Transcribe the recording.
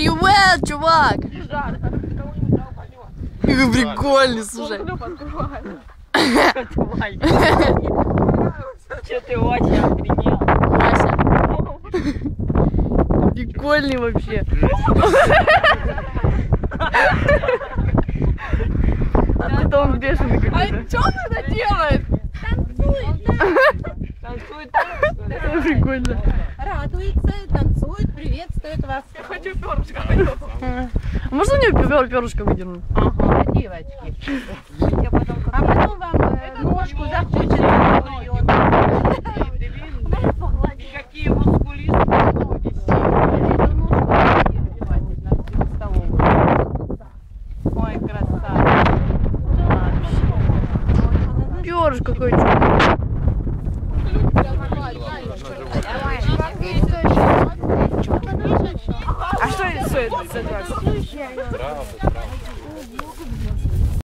Привет, чувак! Какой прикольный, слушай. Че ты очень охренел? Вася. Прикольный вообще. Это он бешеный какой-то. А что она делает? Танцует. Это прикольно. Радуется, танцует, приветствует вас. Я хочу перышко. А можно мне перышко выдернуть? Ага, девочки. А потом вам ножку захочется. Какие мускулисты ноги. Ой, красавица. Перышко хочу. А что это стоит?